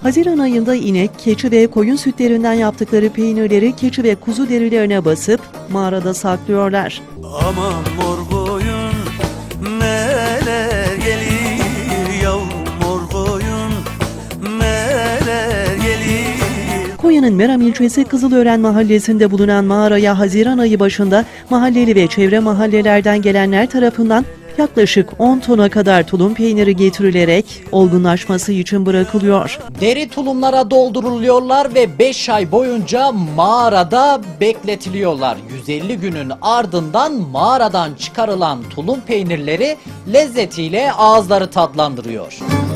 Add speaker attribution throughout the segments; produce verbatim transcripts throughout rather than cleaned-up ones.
Speaker 1: Haziran ayında inek, keçi ve koyun sütlerinden yaptıkları peynirleri keçi ve kuzu derilerine basıp mağarada saklıyorlar.
Speaker 2: Aman mor koyun neler gelir, yavrum mor koyun neler gelir.
Speaker 1: Konya'nın Meram ilçesi Kızılören mahallesinde bulunan mağaraya Haziran ayı başında mahalleli ve çevre mahallelerden gelenler tarafından yaklaşık on tona kadar tulum peyniri getirilerek olgunlaşması için bırakılıyor.
Speaker 3: Deri tulumlara dolduruluyorlar ve beş ay boyunca mağarada bekletiliyorlar. yüz elli günün ardından mağaradan çıkarılan tulum peynirleri lezzetiyle ağızları tatlandırıyor.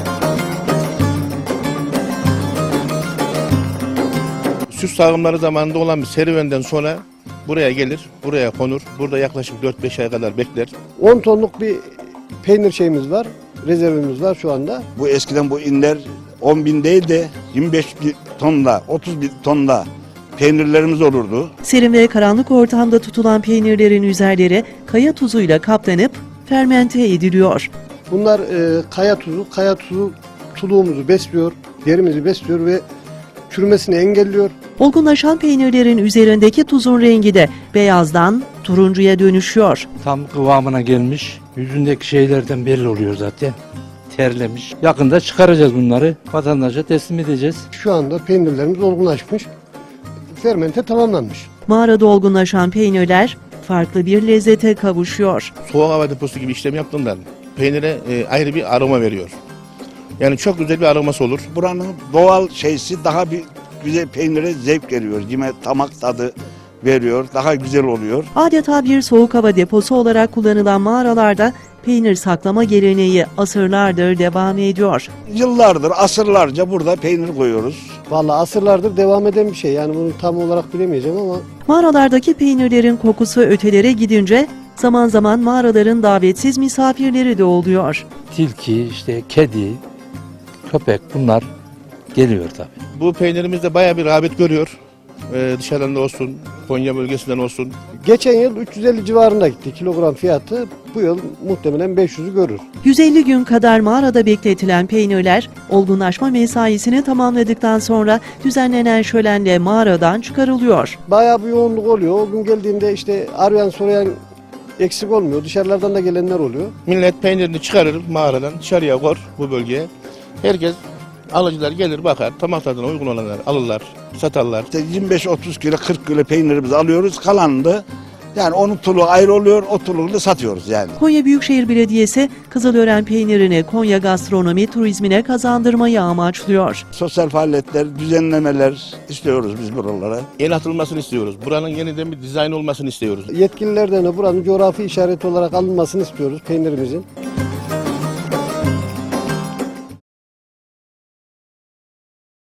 Speaker 4: Süs sağımları zamanında olan bir serüvenden sonra buraya gelir, buraya konur. Burada yaklaşık dört beş ay kadar bekler.
Speaker 5: on tonluk bir peynir şeyimiz var, rezervimiz var şu anda.
Speaker 6: Bu eskiden bu inler on bin değil de yirmi beş bin tonla, otuz bin tonla peynirlerimiz olurdu.
Speaker 1: Serin ve karanlık ortamda tutulan peynirlerin üzerleri kaya tuzuyla kaplanıp fermente ediliyor.
Speaker 5: Bunlar e, kaya tuzu, kaya tuzu tuluğumuzu besliyor, derimizi besliyor ve çürümesini engelliyor.
Speaker 1: Olgunlaşan peynirlerin üzerindeki tuzun rengi de beyazdan turuncuya dönüşüyor.
Speaker 7: Tam kıvamına gelmiş. Yüzündeki şeylerden belli oluyor zaten. Terlemiş. Yakında çıkaracağız bunları. Vatandaşa teslim edeceğiz.
Speaker 5: Şu anda peynirlerimiz olgunlaşmış, fermente tamamlanmış.
Speaker 1: Mağarada olgunlaşan peynirler farklı bir lezzete kavuşuyor.
Speaker 4: Soğuk hava deposu gibi işlem yaptığından peynire e, ayrı bir aroma veriyor. Yani çok güzel bir aroması olur.
Speaker 6: Buranın doğal şeysi daha bir güzel, peynire zevk veriyor. Yine tamak tadı veriyor. Daha güzel oluyor.
Speaker 1: Adeta bir soğuk hava deposu olarak kullanılan mağaralarda peynir saklama geleneği asırlardır devam ediyor.
Speaker 6: Yıllardır, asırlarca burada peynir koyuyoruz.
Speaker 5: Vallahi asırlardır devam eden bir şey. Yani bunu tam olarak bilemeyeceğim ama
Speaker 1: Mağaralardaki peynirlerin kokusu ötelere gidince zaman zaman mağaraların davetsiz misafirleri de oluyor.
Speaker 7: Tilki, işte kedi, köpek bunlar geliyor tabii.
Speaker 4: Bu peynirimiz de bayağı bir rağbet görüyor. Ee, dışarıdan da olsun, Konya bölgesinden olsun.
Speaker 5: geçen yıl üç yüz elli civarında gitti kilogram fiyatı. Bu yıl muhtemelen beş yüzü görür.
Speaker 1: yüz elli gün kadar mağarada bekletilen peynirler olgunlaşma mesaisini tamamladıktan sonra düzenlenen şölenle mağaradan çıkarılıyor.
Speaker 5: Bayağı bir yoğunluk oluyor. O gün geldiğinde işte arayan sorayan eksik olmuyor. Dışarılardan da gelenler oluyor.
Speaker 4: Millet peynirini çıkarır mağaradan, dışarıya kor bu bölgeye. Herkes, alıcılar gelir bakar, damak tadına uygun olanları alırlar, satarlar.
Speaker 6: İşte yirmi beş otuz kilo, kırk kilo peynirimizi alıyoruz. Kalanını da yani onun tuluğu ayrı oluyor, o tuluğunu da satıyoruz yani.
Speaker 1: Konya Büyükşehir Belediyesi Kızılören peynirini Konya gastronomi turizmine kazandırmayı amaçlıyor.
Speaker 6: Sosyal faaliyetler, düzenlemeler istiyoruz biz buralara.
Speaker 4: El atılmasını istiyoruz. Buranın yeniden bir dizayn olmasını istiyoruz.
Speaker 5: Yetkililerden de buranın coğrafi işareti olarak alınmasını istiyoruz peynirimizin.